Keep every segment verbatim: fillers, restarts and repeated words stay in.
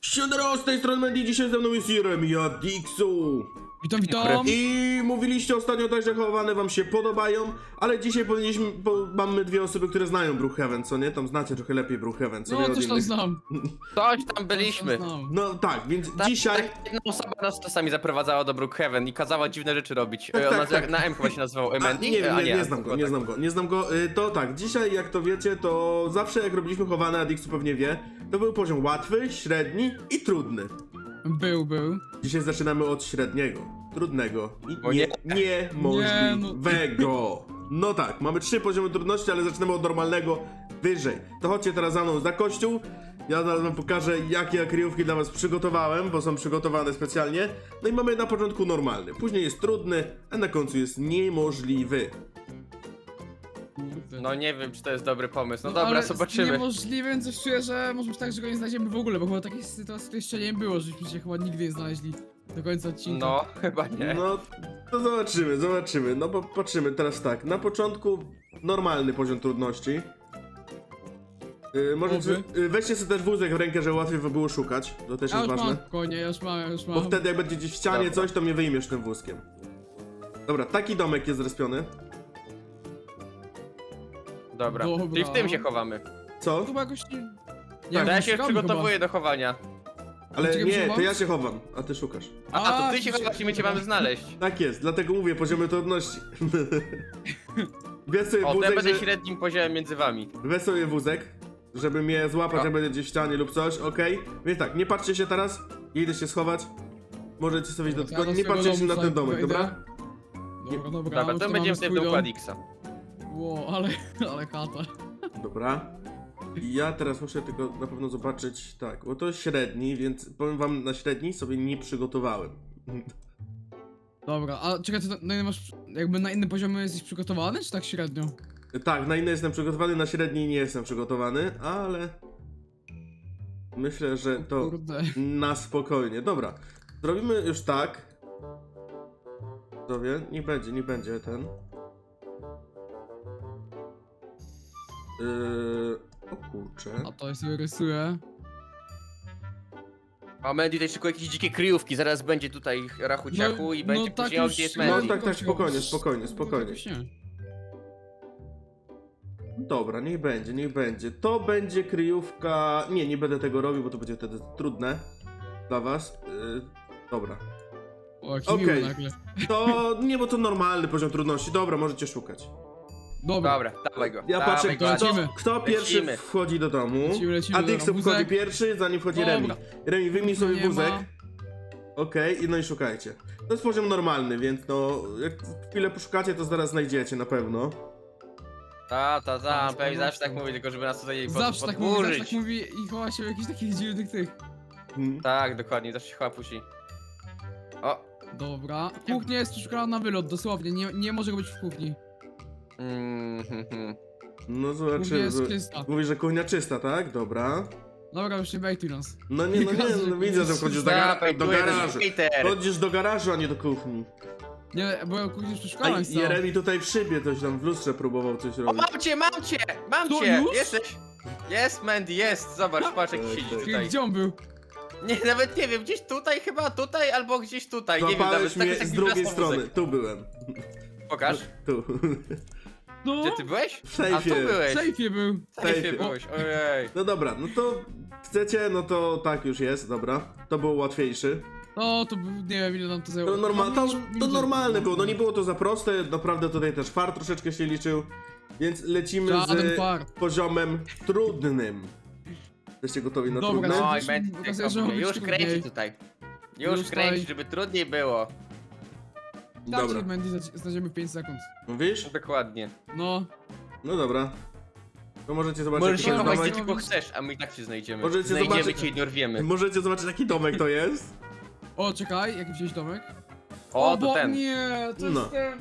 Siadero, z tej strony Mandy, dzisiaj ze mną jest Jeremy, ja Dixu. Witam, witam. I mówiliście ostatnio tak, że chowane wam się podobają, ale dzisiaj powinniśmy, bo mamy dwie osoby, które znają Brookhaven, co nie? Tam znacie trochę lepiej Brookhaven, co nie? No, od coś tam innych. znam. Coś tam byliśmy. Coś tam znam. No tak, więc Tak, dzisiaj... tak, jedna osoba nas czasami zaprowadzała do Brookhaven i kazała dziwne rzeczy robić. Tak, E, tak, Ona tak. na M chyba się nazywał A, Emendi? nie, A, nie, nie znam go, tylko nie tak. znam go, nie znam go. Y, To tak, dzisiaj jak to wiecie, to zawsze jak robiliśmy chowane, a Dixu pewnie wie, to był poziom łatwy, średni i trudny. Był, był. Dzisiaj zaczynamy od średniego, trudnego i O nie, nie. niemożliwego. No tak, mamy trzy poziomy trudności, ale zaczynamy od normalnego wyżej. To chodźcie teraz za mną za kościół. Ja zaraz wam pokażę, jakie ja kryjówki dla was przygotowałem, bo są przygotowane specjalnie. No i mamy na początku normalny, później jest trudny, a na końcu jest niemożliwy. Kurde. No nie wiem, czy to jest dobry pomysł. No, No, dobra, ale zobaczymy. Niemożliwym coś czuję, że może być tak, że go nie znajdziemy w ogóle, bo chyba takiej sytuacji jeszcze nie było, żeśmy się chyba nigdy nie znaleźli do końca odcinka. No, chyba nie. No, to zobaczymy, zobaczymy. No bo patrzymy teraz tak, na początku normalny poziom trudności. Yy, możecie, Oby. yy, weźcie sobie też wózek w rękę, żeby łatwiej wam było szukać. To też Ja jest już ważne. mam, konie, ja już mam, ja już mam. Bo wtedy jak będzie gdzieś w ścianie Dobra. coś, to mnie wyjmiesz tym wózkiem. Dobra, taki domek jest zrespiony. Dobra. Dobra. Czyli w tym się chowamy. Co? Chyba jakoś nie... Ja, wiem, ja się szukamy przygotowuję do chowania. Ale Czekaj, nie, muszę to ja wam- się chowam, a ty szukasz. A, A, a to ty się to się- chowasz i my cię mamy znaleźć. Tak jest, dlatego mówię poziomy trudności. Weź sobie O, to ja wózek, będę że... średnim poziomem między wami. Weź sobie wózek, żeby mnie złapać, O. jak będzie gdzieś w ścianie lub coś, okej? Więc tak, nie patrzcie się teraz, idę się schować. Możecie sobie iść do... Ja do Tylko nie swojego patrzcie się na domu ten domek, wejdę. dobra? Dobra, dobra, Dobra, już to tu będziemy mamy w tym swój do dom. Adixa. Ło, ale, ale chata. Dobra. I ja teraz muszę tylko na pewno zobaczyć, tak, bo to jest średni, więc powiem wam, na średni sobie nie przygotowałem. Dobra, a czekaj, to na innym masz, jakby na innym poziomie jesteś przygotowany, czy tak średnio? Tak, na inne jestem przygotowany, na średni nie jestem przygotowany, ale... Myślę, że to Kurde. na spokojnie. Dobra, zrobimy już tak. Widzowie, nie będzie, nie będzie ten. Yy... O kurczę. A to ja sobie rysuję. A Mandy tutaj szykuje jakieś dzikie kryjówki, zaraz będzie tutaj rachu ciachu No- i będzie no tak później o, już- gdzie jest no No Mandy. tak, tak, Chodź, spokojnie, chodź. spokojnie, No, spokojnie. jakoś nie. Dobra, niech będzie, niech będzie. To będzie kryjówka... Nie, nie będę tego robił, bo to będzie wtedy trudne dla was. Yy... Dobra. O, jaki Okej. miły nagle. To nie, bo to normalny poziom trudności. Dobra, możecie szukać. Dobra. Dobra, dawaj go. Ja dawaj patrzę, go, kto, lecimy. kto pierwszy Lecimy. wchodzi do domu. Lecimy, lecimy, A dobra, Dixu wózek. wchodzi pierwszy, zanim wchodzi Dobra. Remi. Remi, wyjmij sobie Nie wózek. ma. Okej, i no i szukajcie. To jest poziom normalny, więc no, jak chwilę poszukacie, to zaraz znajdziecie na pewno. Ta, ta, ta, Tam, pewnie zawsze tam. tak mówi, tylko żeby nas tutaj pod, Zawsze tak mówi, zawsze podburzyć. tak mówi i chowa się w jakichś takich dziwnych tych. Hmm. Tak, dokładnie, zawsze się chyba pusi. O! Dobra. Kuchnia jest przeszukana na wylot, dosłownie. Nie, nie może go być w kuchni. Mm, hmm, hmm. No Kuchnia zobaczymy. jest czysta. Mówi, że kuchnia czysta, tak? Dobra. Dobra, już nie bejtuj nas. No nie, no nie, no widzę, że wchodzisz do, gara Dawaj, do tu jest garażu. skater. Chodzisz do garażu, a nie do kuchni. Nie, bo kuchnia jest A przeszukana jest cała. Jeremi tutaj w szybie coś tam w lustrze próbował coś O, robić. mam cię, mam cię! Mam To cię! już? Jesteś! Jest, Mandy, jest! Zobacz, patrz jak Tak, siedzi tak. tutaj. Gdzie on był? Nie, nawet nie wiem, gdzieś tutaj chyba, tutaj albo gdzieś tutaj, nie wiem nawet. Złapałeś tak mnie jest z jak drugiej wracał strony. wózek. Tu byłem. Pokaż. Tu. No, Gdzie ty byłeś? W sejfie. A tu w byłeś. sejfie był. W sejfie sejfie. byłeś, ojej. No dobra, no to chcecie, no to tak już jest, dobra. To był łatwiejszy. No, to był, nie wiem ile nam to zajęło. To, norma No, to, nie- to nie- normalne było, no nie było to za proste, naprawdę tutaj też fart troszeczkę się liczył. Więc lecimy Żaden z fart. poziomem trudnym. Jesteście gotowi na Dobra, trudny? no. Oj, Już Mandy, mi tak pokazuje, że ma kompletnie. być Już kręci trudniej. tutaj. Już Już kręci, tutaj. żeby trudniej było. Tak, Dobra. że Mandy zna- znajdziemy w pięć sekund. Mówisz? Dokładnie. No, No dobra. To możecie zobaczyć Możesz jaki się to jest chować domek. gdzie tylko chcesz, a my i tak się znajdziemy. Możecie Znajdziemy zobaczyć- cię i dorwiemy. Możecie zobaczyć jaki domek to jest. o czekaj, jaki wziąłeś domek? O, to bo ten. nie, to No. jest ten.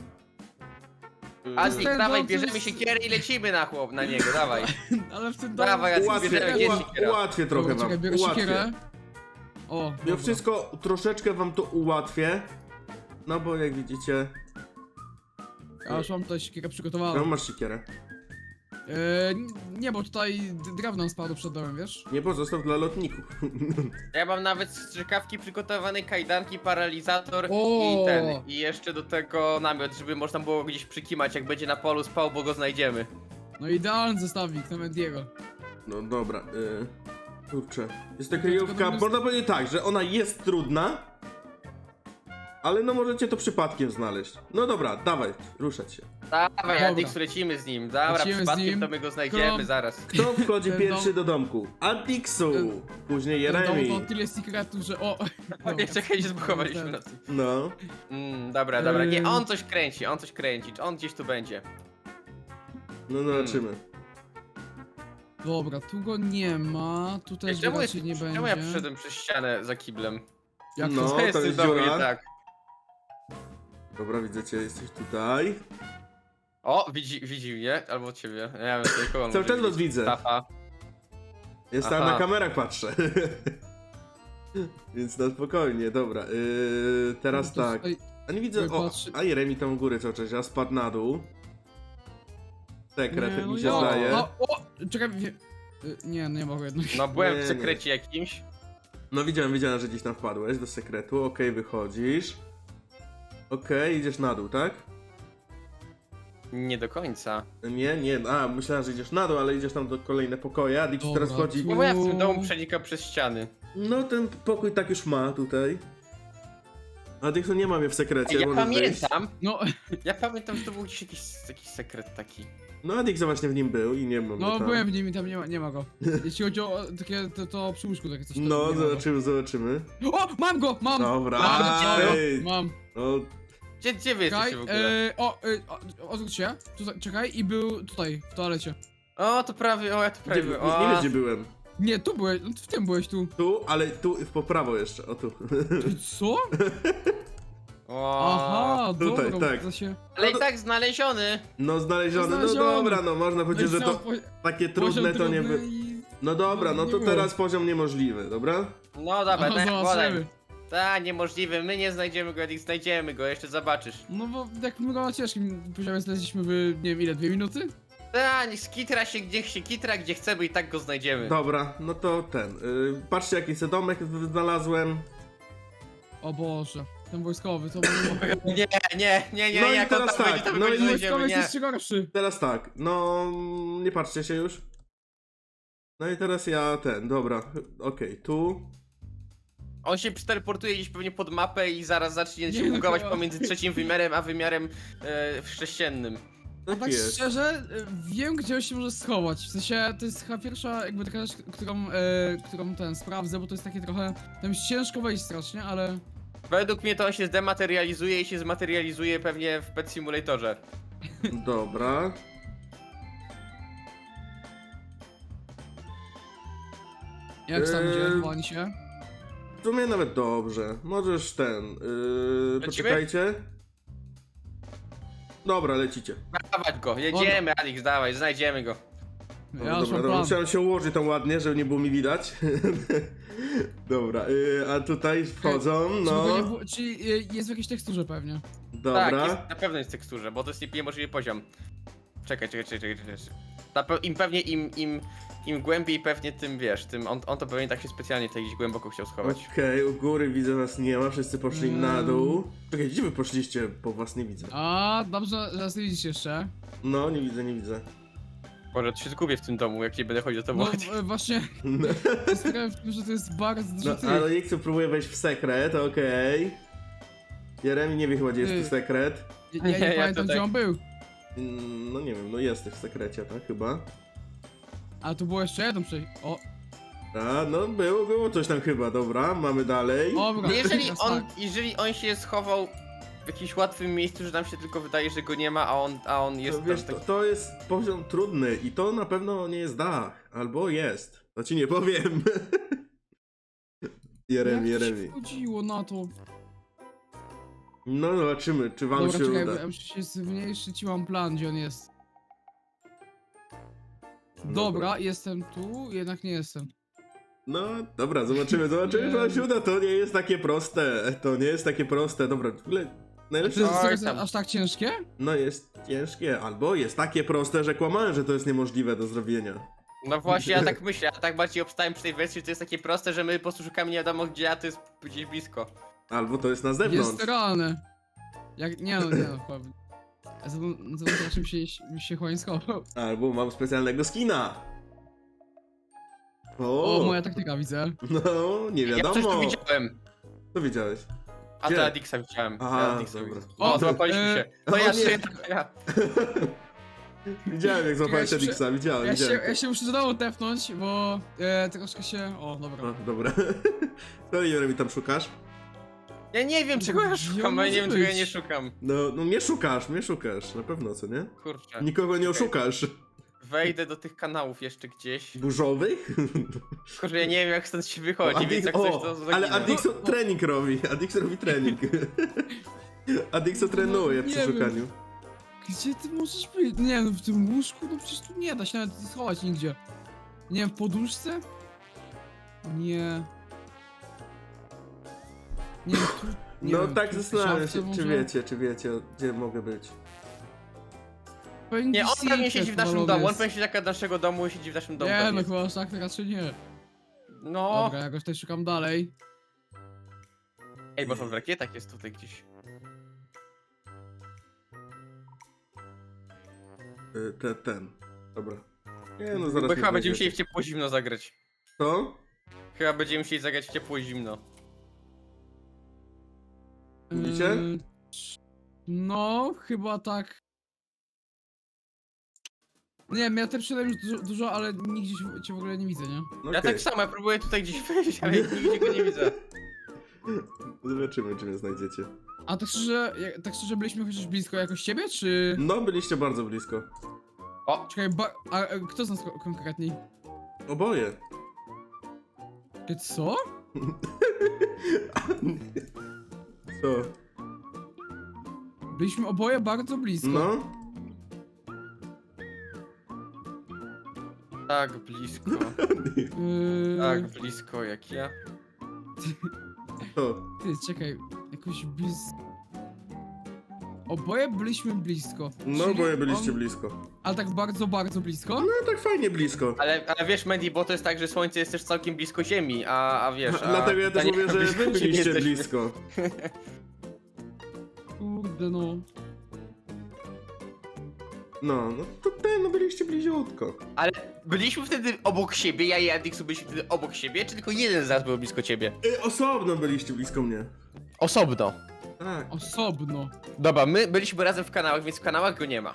Azik, Ten dawaj, dom, to bierzemy jest- siekierę i lecimy na chłop, na niego, dawaj. Ale w tym domu... Dawaj, Jacek, Ułatwię, bierzemy gdzie jest uła siekiera. ułatwię trochę Dobra, wam. czekaj, biorę Ułatwię. siekierę. O, Ja dobra. wszystko troszeczkę wam to ułatwię. No bo jak widzicie, Ja już mam tutaj siekierę ja przygotowaną. masz siekierę. E, nie, bo tutaj d- drewno spadło przed domem, wiesz? Nie pozostaw dla lotników. Ja mam nawet strzykawki przygotowane, kajdanki, paralizator O! i ten. I jeszcze do tego namiot, żeby można było gdzieś przykimać, jak będzie na polu spał, bo go znajdziemy. No idealny zestawik na Mendiego. No dobra, yy, kurczę. Jest to To kryjówka, tylko można powiedzieć tak, że ona jest trudna, ale no możecie to przypadkiem znaleźć. No dobra, dawaj, ruszać się. Dawaj, Dobra. Adix, lecimy z nim. Dobra, Lecimy z przypadkiem nim. to my go znajdziemy Krom. zaraz. Kto wchodzi Ten pierwszy dom- do domku? Adixu, Ten- później Ten dom Jeremi. to tyle sekretów, że o... O nie, czekaj, się zbuchowaliśmy na tym. No, Mm, dobra, dobra, nie, Eee. on coś kręci, on coś kręci, on gdzieś tu będzie. no zobaczymy. Dobra, tu go nie ma, tu też go Czemu, jest, raczej nie będzie. czemu ja przyszedłem przez ścianę za kiblem? Jak No. to? Co jest to w tym jest domu nie dziura. tak? Dobra, widzę cię, jesteś tutaj. O, widzi, widzi mnie, albo ciebie. Ja wiem, tutaj kogo on Cały może czas was widzieć. widzę. Tafa. Jest tam Aha. na kamerach patrzę. Więc na spokojnie, dobra. Yy, teraz To tak. tutaj- A nie widzę. O, Patrzy- a Jeremi tam u góry cały czas, ja spadł na dół. Sekret, Nie, jak no mi się ja- zdaje. O, o, czekaj, wie... y, Nie, nie mogę jednak. No byłem Nie, w nie. sekrecie jakimś. No widziałem, widziałem, że gdzieś tam wpadłeś do sekretu. Okej, wychodzisz. Okej, idziesz na dół, tak? Nie do końca. Nie, nie, a myślałem, że idziesz na dół, ale idziesz tam do kolejne pokoje. Adix Dobra, teraz chodzi. tu- No bo ja w tym domu przenikam przez ściany. No ten pokój tak już ma tutaj. Adixu nie ma mnie w sekrecie, Ej, ja możesz wyjść. pamiętam, No, ja pamiętam, że to był gdzieś jakiś, jakiś sekret taki. No Adix właśnie w nim był i nie mam go no tam. byłem w nim i tam nie ma, nie ma go. Jeśli chodzi o takie, to, to przy łóżku takie coś. to No, nie ma go. zobaczymy, zobaczymy. O, mam go, mam! Dobra, Mam, ej. mam. No, Gdzie, gdzie wy Czekaj, jesteście w ogóle? e, o, e, o, odwróć się, tutaj, czekaj, i był tutaj, w toalecie. O, to prawie, o, ja tu gdzie, prawie nie, byłem. nie wiesz O, gdzie byłem. Nie, tu byłeś, no, w tym byłeś tu. Tu, ale tu po prawo jeszcze, o tu. Ty co? o. Aha, tutaj, dobra, tak. to się... Ale i tak znaleziony. No znaleziony, no Znaleziony. dobra, no można powiedzieć, że No i to co, po- takie poziom trudne to nie trudny by... i- No dobra, no nie to było. teraz poziom niemożliwy, dobra? No dobra, No, tak, zobaczymy. podaj. Ta, niemożliwe, my nie znajdziemy go, jak znajdziemy go, jeszcze zobaczysz. No bo jak my go na ciężkim poziomie znaleźliśmy w, nie wiem ile, dwie minuty? Ta, niech skitra się, gdzie się kitra, gdzie chcemy i tak go znajdziemy. Dobra, no to ten. Yy, patrzcie jaki sobie domek znalazłem. O Boże, ten wojskowy, to było... Nie, nie, nie, nie, No i jak on teraz tam tak, będzie, to my no go i nie Wojskowy znajdziemy, jest nie. jeszcze gorszy. Teraz tak, no nie patrzcie się już. No i teraz ja ten, dobra, okej, tu. On się przeteleportuje gdzieś pewnie pod mapę i zaraz zacznie Nie, się no bugować chyba. pomiędzy trzecim wymiarem a wymiarem e, sześciennym. A Tak tak jest. szczerze, y, wiem gdzie on się może schować. W sensie, to jest chyba pierwsza jakby taka rzecz, którą, e, którą ten sprawdzę, bo to jest takie trochę... Tam jest ciężko wejść strasznie, ale... Według mnie to on się zdematerializuje i się zmaterializuje pewnie w Pet Simulatorze. Dobra. Jak sam Eee, idzie, chowani się? W sumie nawet dobrze. Możesz ten. Yy, poczekajcie. Dobra, lecicie. Dawać go, jedziemy, Alex, dawaj, znajdziemy go. No, Ja już dobra, mam dobra, plan. musiałem się ułożyć tam ładnie, żeby nie było mi widać. Dobra, yy, a tutaj wchodzą, Żeby no. go nie było- Czyli y, jest w jakiejś teksturze pewnie. Dobra. Tak, jest, na pewno jest w teksturze, bo to jest niemożliwy poziom. Czekaj, czekaj, czekaj, czekaj. czekaj. Na pe im pewnie, im, im, im głębiej pewnie tym, wiesz, tym, on, on to pewnie tak się specjalnie tutaj gdzieś głęboko chciał schować. Okej, u góry widzę was nie ma, wszyscy poszli Mm. na dół. Czekaj, gdzie wy poszliście? Bo was nie widzę. A, dobrze, że nas nie widzisz jeszcze. No, nie widzę, nie widzę. Może to się zgubię w tym domu, jak nie będę chodził do tobą. No e, właśnie, sprawia w tym, że to jest bardzo dużo No, tych. ale nie chcę próbuję wejść w sekret, okej. Jeremi nie wie chyba, gdzie jest Ty. tu sekret. Ja, ja nie Nie, ja pamiętam tutaj- gdzie on był. Mm, No nie wiem, no jesteś w sekrecie, tak chyba. A tu było jeszcze jedno przejście. O, A, no było, było coś tam chyba, dobra, mamy dalej. dobra. No jeżeli teraz on, tak. jeżeli on się schował w jakimś łatwym miejscu, że nam się tylko wydaje, że go nie ma, a on, a on jest To, tam wiesz, to, taki... to jest poziom trudny i to na pewno nie jest dach, albo jest. To ci nie powiem. Jeremi, Jak to się Jeremi. wchodziło na to? No zobaczymy, czy wam Dobra, się czekaj, uda. bo ja muszę się zmniejszyć i mam plan, gdzie on jest. No Dobra, jestem tu, jednak nie jestem. No, dobra, zobaczymy, zobaczymy, czy wam się uda. To nie jest takie proste. To nie jest takie proste. Dobra, w ogóle To Najlepsze jest Oj, teraz tam. aż tak ciężkie? No jest ciężkie, albo jest takie proste, że kłamałem, że to jest niemożliwe do zrobienia. No właśnie, ja tak myślę, ja tak bardziej obstałem przy tej wersji, że to jest takie proste, że my po prostu szukamy nie wiadomo gdzie, a to jest gdzieś blisko. Albo to jest na zewnątrz. Jest realne. Jak, nie no, nie no, powiem. Zobaczmy, czym się, się chłoń schował. Albo mam specjalnego skina. O, O, moja taktyka widzę. no, nie Ja coś tu wiadomo. widziałem. Co widziałeś? A Gdzie? to Adixa widziałem. Aha, Ja Adixa dobra. widziałem. O, O, złapaliśmy e, się. To o ja nie. się, to ja. Widziałem jak złapałeś Ja się Edixa, widziałem, Ja się, widziałem. ja się muszę znowu tepnąć, bo e, troszkę się... O, dobra. O, dobra. Co Jeremy tam szukasz? Ja nie wiem czego ja Gdzie szukam, on ja nie wiem może czego ja być? nie szukam. No, no mnie szukasz, mnie szukasz, na pewno, co nie? Kurczę. Nikogo nie Okej. oszukasz. Wejdę do tych kanałów jeszcze gdzieś. Burzowych? Kurczę, ja nie wiem jak stąd się wychodzi, więc jak o, coś to zaginę. ale Adixo trening robi, Adixo robi trening. Adixo trenuje No, nie przy wiem. szukaniu. Gdzie ty możesz być? Nie no, w tym łóżku? No przecież tu nie da się nawet schować nigdzie. Nie wiem, w poduszce? Nie. Nie wiem, tu... Nie No wiem, tak tu w zastanawiam szafce się, czy może? wiecie, czy wiecie, gdzie mogę być. Pewnie Nie, on secret pewnie siedzi w naszym powalony domu, on jest. pewnie siedzi jak naszego domu i siedzi w naszym domu. Nie, pewnie. no chyba aż tak to raczej nie. No. Dobra, jakoś tutaj szukam dalej. Ej, może on w rakietach jest tutaj gdzieś. Y, Te, ten. Dobra. Nie no, zaraz Bo mnie chyba będziemy znajdziecie. musieli w ciepło zimno zagrać. Co? Chyba będziemy musieli zagrać w ciepło zimno. Widzicie? Yy, No, chyba tak. Nie wiem, ja też przydałem już dużo, dużo, ale nigdzie cię- cię w ogóle nie widzę, nie? No Ja okej. tak samo, ja próbuję tutaj gdzieś wejść, ale nigdzie go nie widzę. Zobaczymy, czy mnie znajdziecie. A tak szczerze, jak- tak szczerze byliśmy chociaż blisko jakoś ciebie, czy... No, byliście bardzo blisko. O, Czekaj, ba... a, a kto z nas ko- konkretniej? Oboje. Ty co? Co? Byliśmy oboje bardzo blisko. No? tak blisko. Yy... Tak blisko jak ja. Co? Ty, czekaj, jakoś blisko... Oboje byliśmy blisko. No, Czyli oboje byliście on... blisko. Ale tak bardzo, bardzo blisko? No, tak fajnie blisko. Ale, ale wiesz, Mandy, bo to jest tak, że Słońce jest też całkiem blisko Ziemi, a, a wiesz. A, Dlatego ja też a nie- mówię, że blisko wy Ziemi byliście jesteśmy. blisko. Kurde no. No, no to ten, no byliście bliziutko. Ale byliśmy wtedy obok siebie, ja i Adixu byliśmy wtedy obok siebie, czy tylko jeden z nas był blisko ciebie? Y, osobno byliście blisko mnie. Osobno. Tak. Osobno. Dobra, my byliśmy razem w kanałach, więc w kanałach go nie ma.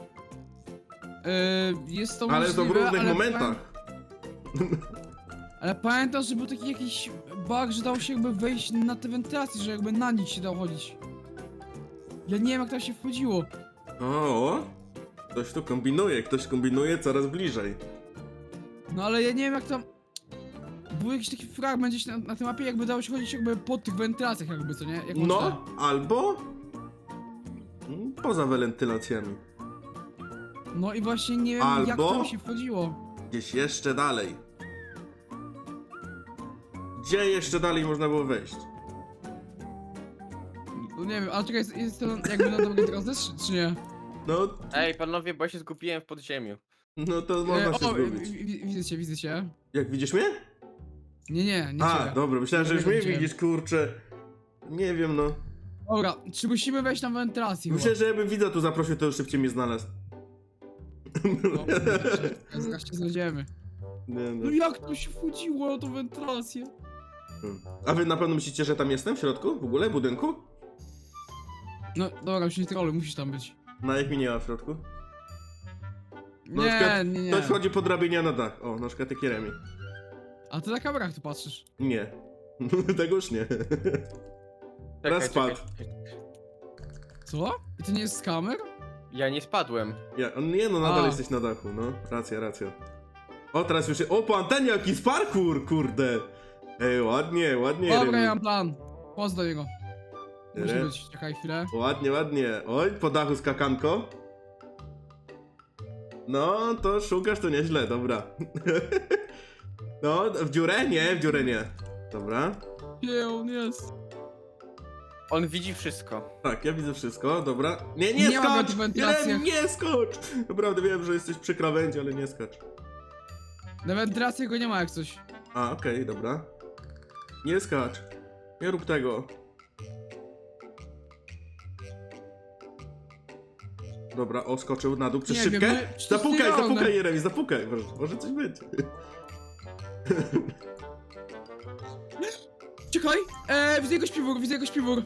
Yy, jest to Ale to w możliwe, różnych ale momentach. Ale pamiętam, że był taki jakiś bug, że dało się jakby wejść na te wentylacje, że jakby na nich się dało chodzić. Ja nie wiem jak tam się wchodziło. O, ktoś tu kombinuje, ktoś kombinuje coraz bliżej. No ale ja nie wiem jak tam... Był jakiś taki fragment gdzieś na, na tej mapie, jakby dało się chodzić jakby po tych wentylacjach jakby, co nie? Jak No, można. albo mm, poza wentylacjami. No i właśnie nie wiem jak Albo- tam się wchodziło. Gdzieś jeszcze dalej. Gdzie jeszcze dalej można było wejść? No nie wiem, ale czekaj, jest, jest to jakby na dobrej drodze, czy, czy nie? No, Ej, panowie, bo ja się zgubiłem w podziemiu. no to E, można się o, wi- zgubić. wi- widzę cię, widzę cię. Jak widzisz mnie? Nie, nie, nie A, ciebie. dobra, myślałem, że już Nie mnie widziałem. widzisz, kurczę. Nie wiem, no. Dobra, czy musimy wejść na wentylację Myślę, że jakbym widza tu zaprosił, to już szybciej mnie znalazł. No, zaraz się znajdziemy. Nie, no. No jak to się wchodziło na tą wentylację? Hmm. A wy na pewno myślicie, że tam jestem w środku? W ogóle? W budynku? No dobra, już nie trolluj, musisz tam być. No jak mi nie ma w środku? Na Nie, przykład nie, nie. Ktoś wchodzi po drabinie na dach. O, na przykład taki Remi. A ty na kamerach tu patrzysz. Nie. Tego już nie. Raz spadł. Co? I to nie jest z kamer? Ja nie spadłem. Ja, on- nie no, nadal A. jesteś na dachu, no. Racja, racja. O, teraz już... O, po antenie jakiś parkour, kurde. Ej, ładnie, ładnie, Dobra, Remi. ja mam plan. Poz do niego. Musi Re- być, czekaj chwilę. Ładnie, ładnie. Oj, po dachu skakanko. No, to szukasz to nieźle, dobra. No, w dziurę? Nie, w dziurę nie. Dobra. Gdzie on jest? On widzi wszystko. Tak, ja widzę wszystko, dobra. Nie, nie, Nie ma skocz! w wentylacjach. Jeremi, nie skocz! Naprawdę wiem, że jesteś przy krawędzi, ale nie skocz. Na wentylacji go nie ma jak coś. A, okej, dobra. Nie skacz. Nie rób tego. Dobra, o, skoczył na dół przez Nie szybkę. wiem, no, czy to Zapukaj, jest zapukaj, nierealne. Jeremi, zapukaj. Może, może coś będzie. Czekaj! Eee, widzę jego śpiwór, widzę jego śpiwór.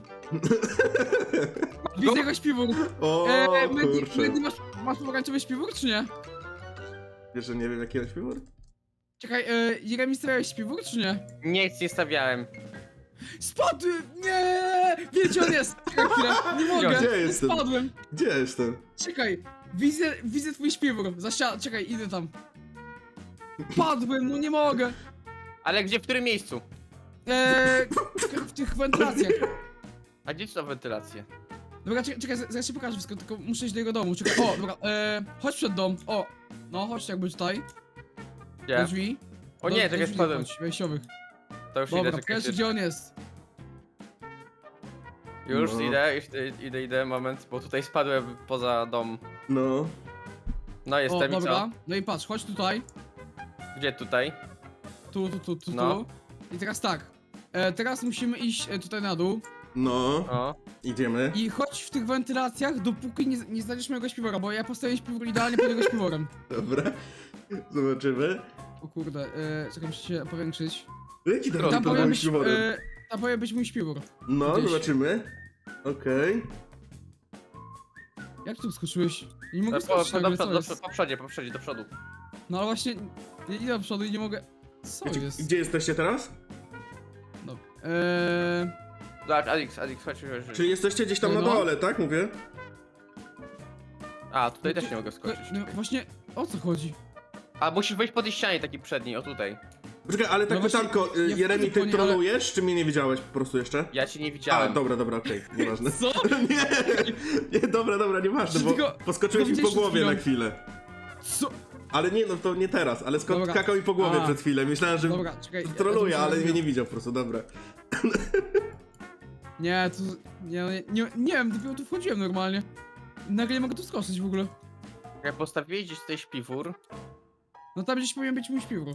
Widzę jego śpiwór. O, Eee, Mendy, kurczę. Mendy, masz, masz pomarańczowy śpiwór, czy nie? Wiesz, że nie wiem, jaki on śpiwór? Czekaj, eee, Jeremi stawiałeś śpiwór, czy nie? Nic nie stawiałem. Spadł! Nie! Wiecie, on jest! Czekaj chwilę, nie mogę! Gdzie jestem? Spadłem! Gdzie jestem? Czekaj, widzę, widzę twój śpiwór. Zasia... Czekaj, idę tam. Padłem, no nie mogę! Ale gdzie, w którym miejscu? Eee, w tych wentylacjach. A gdzie są wentylacje? Dobra, czekaj, czekaj, zaraz ci pokażę wszystko, tylko muszę iść do jego domu. Czekaj, o, dobra, eee, chodź przed dom. O, no, chodź jakby tutaj. Do Gdzie? drzwi. O do, nie, do czekaj, drzwi spadłem. chodź, wejściowych. To już Dobra, idę, czekaj. pokaż gdzie on jest. Już No. idę, już idę, idę, idę, moment, bo tutaj spadłem poza dom. No. No O, jestem i dobra, co? no i patrz, chodź tutaj. Gdzie tutaj? Tu, tu, tu, tu, No. tu. I teraz tak. E, teraz musimy iść e, tutaj na dół. No. O. Idziemy. I chodź w tych wentylacjach, dopóki nie, nie znajdziesz mojego śpiwora, bo ja postawię śpiwór idealnie pod jego śpiworem. Dobra. Zobaczymy. O kurde, e, czekaj, muszę się powiększyć. Jaki Tam tam Tam pod powinien moim być, śpiworem? e, tam powinien być mój śpiwór. No, gdzieś. zobaczymy. Okej. Jak tu skoczyłeś? Nie mogę Po, po, skoczyć po, nagle, do, co do, jest? po przodzie, po przodzie, do przodu. No ale właśnie, ja idę do przodu i nie mogę... Co Gdzie, jest? gdzie jesteście teraz? No, eee... Zobacz, Alex, Alex, chodź, chodź, chodź. Czyli jesteście gdzieś tam na No. dole, tak mówię? A, tutaj też nie mogę skoczyć. No właśnie, o co chodzi? A musisz wejść po tej ścianie takiej przedniej, o tutaj. Poczekaj, ale tak No właśnie, pytanko, y, ja Jeremi, wchodzę po ty nie, ale- trolujesz, czy mnie nie widziałeś po prostu jeszcze? Ja cię nie A, widziałem. dobra, dobra, okej, nieważne. Co? Nie, nie, dobra, dobra, nieważne, bo Tylko- poskoczyłeś mi tylko po gdzieś głowie przed na chwilę. Co? Ale nie, no to nie teraz, ale skąd Dobra. skakał mi po głowie A. przed chwilą. Myślałem, że Dobra, czekaj. ja- troluje, ja to ale muszę- mnie nie widział po prostu, dobra. Nie, to... Nie, nie, nie, nie wiem, dopiero tu wchodziłem normalnie. Nagle nie mogę tu skoczyć w ogóle. Jak postawiłeś gdzieś tutaj śpiwór, No tam gdzieś powinien być mój śpiwór.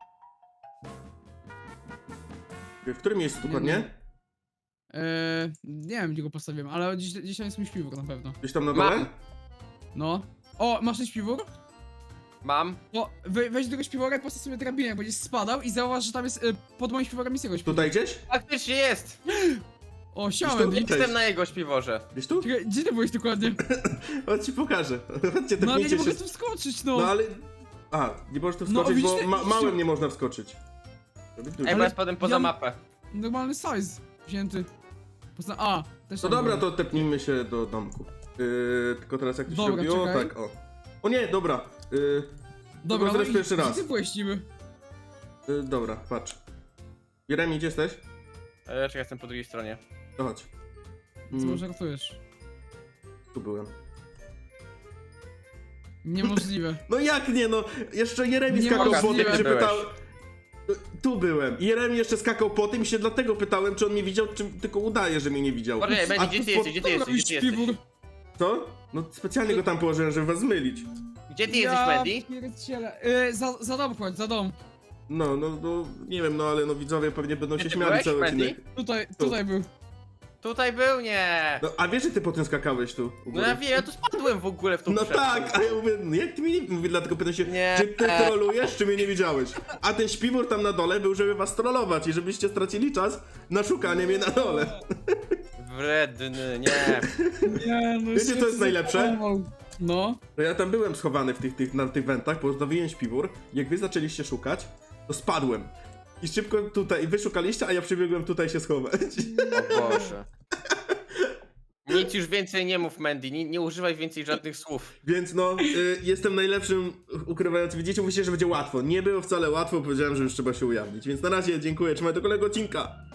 W którym miejscu dokładnie? Eee, nie wiem gdzie go postawiłem, ale gdzieś, gdzieś tam jest mój śpiwór na pewno. Gdzieś tam na Mam. dole? No. O, masz ten śpiwór? mam. O, we, weź do tego śpiwora i postaw sobie drabinę, jak będziesz spadał i zauważ, że tam jest y, pod moim śpiworem jest jego śpiwór. Tutaj gdzieś? Faktycznie jest! O, siema Gdzieś tu- Mandy. Cześć. Jestem na jego śpiworze. Gdzieś tu? Czekaj, gdzie ty byłeś dokładnie? Chodź ci pokażę. Chodźcie, No ale tepnijcie nie się. mogę tu wskoczyć, no. No ale... A, nie możesz tu No, wskoczyć, bo widzicie- ma widzicie- małym nie można wskoczyć. Żeby tu- Ej, bo Ale ja spadłem poza ja- mapę. Normalny size wzięty. Posta A, też No tam dobra, było. to tepnijmy się do domku. Yy, tylko teraz jak to się Dobra, robiło, czekaj. tak, o. O nie, dobra. Yy, Dobra, to no teraz i pierwszy gdzie raz. ty byłeś niby? yy, dobra, patrz. Jeremi, gdzie jesteś? E, czekaj, jestem po drugiej stronie. To chodź. Co Mm, może ratujesz? tu byłem. Niemożliwe. No jak nie, no? Jeszcze Jeremi Nie skakał mogę, po tym, nie się byłeś. pytał... Tu byłem. I Jeremi jeszcze skakał po tym i się dlatego pytałem, czy on mnie widział, czy tylko udaje, że mnie nie widział. Poczekaj, A Mandy, gdzie ty po- jesteś, gdzie ty Dobra, jesteś, gdzie ty śpiwór. jesteś? Co? No specjalnie go tam położyłem, żeby was zmylić. Gdzie ty jesteś, Mandy? pierdziele. Y, za, za dom chodź, za dom. No, no, no, nie wiem, no ale no widzowie pewnie będą Gdzie się ty śmiali byłeś, cały Mandy? odcinek. Tutaj, Tu. tutaj był. Tutaj był? Nie. No, a wiesz, że ty potem skakałeś tu? u No góry? ja wiem, ja tu spadłem w ogóle w tą No przeszkodę. tak, a ja mówię, no jak ty mnie nie... Mówię, dlatego pytam się, Nie. czy ty trolujesz, czy mnie nie widziałeś? A ten śpiwór tam na dole był, żeby was trollować i żebyście stracili czas na szukanie mnie na dole. Wredny, nie. Nie, no Wiecie, co jest najlepsze? No. To ja tam byłem schowany w tych, tych, na tych wentach, postawiłem śpiwór. Jak wy zaczęliście szukać, to spadłem. I szybko tutaj, wy szukaliście, a ja przybiegłem tutaj się schować. O Boże. Nic już więcej nie mów, Mandy, nie, nie używaj więcej żadnych słów. Więc no, y, jestem najlepszym ukrywającym. Widzicie, mówicie, że będzie łatwo. Nie było wcale łatwo, powiedziałem, że już trzeba się ujawnić. Więc na razie dziękuję, trzymaj do kolejnego odcinka.